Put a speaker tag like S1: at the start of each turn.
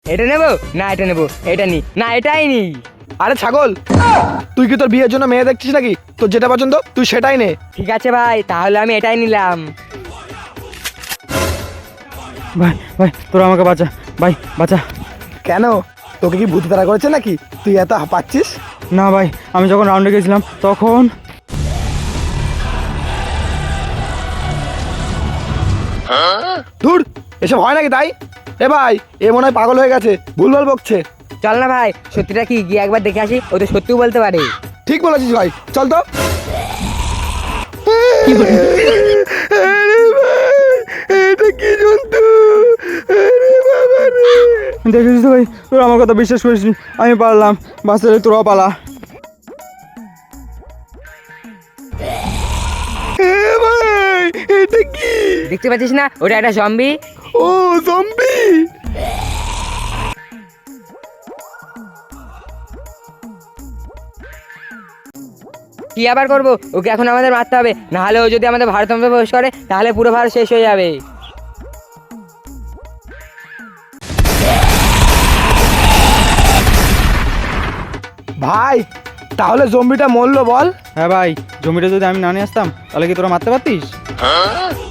S1: এটা নেবো না এটা নেবো, এটা নি না এটাই নি।
S2: আরে ছাগল, তুই কি তোর বিয়ের জন্য মেয়ে দেখছিস নাকি? তোর যেটা পছন্দ তুই সেটাই নে।
S1: ঠিক আছে ভাই, তাহলে আমি এটাই নিলাম।
S3: ভাই ভাই তোরা আমাকে বাঁচা, ভাই বাঁচা।
S2: কেন, তোকে কি ভূত তাড়া করেছে নাকি তুই এত হাঁপাচ্ছিস?
S3: না ভাই, আমি যখন রাউন্ডে গেছিলাম তখন
S2: ধুর, এসব হয় নাকি তাই? এ ভাই, এ মনে হয় পাগল হয়ে গেছে, ভুলভাল বকছে।
S1: চল না ভাই, সত্যিটা কি গিয়ে একবার দেখে আসি, ও তো সত্যিও বলতে পারে।
S2: ঠিক বলেছিস ভাই, চল তো। এটা কি জন্তু?
S3: দেখেছিস তো ভাই, তোরা আমার কথা বিশ্বাস করিস নি। আমি পারলাম, বাঁচলে তোরাও পালা।
S2: ভাই, এটা কি?
S1: দেখতে পাচ্ছিস না, ওটা একটা জম্বি।
S2: ও জম্বি।
S1: কি আবার করবো, ওকে এখন আমাদের মারতে হবে, না হলে ও যদি আমাদের ভারতবর্ষে প্রবেশ করে তাহলে পুরো ভারত শেষ হয়ে যাবে।
S2: ভাই, তাহলে জম্বিটা মরলো বল?
S3: হ্যাঁ ভাই, জমিটা যদি আমি না নিয়ে আসতাম তাহলে কি তোরা মারতে পারতিস?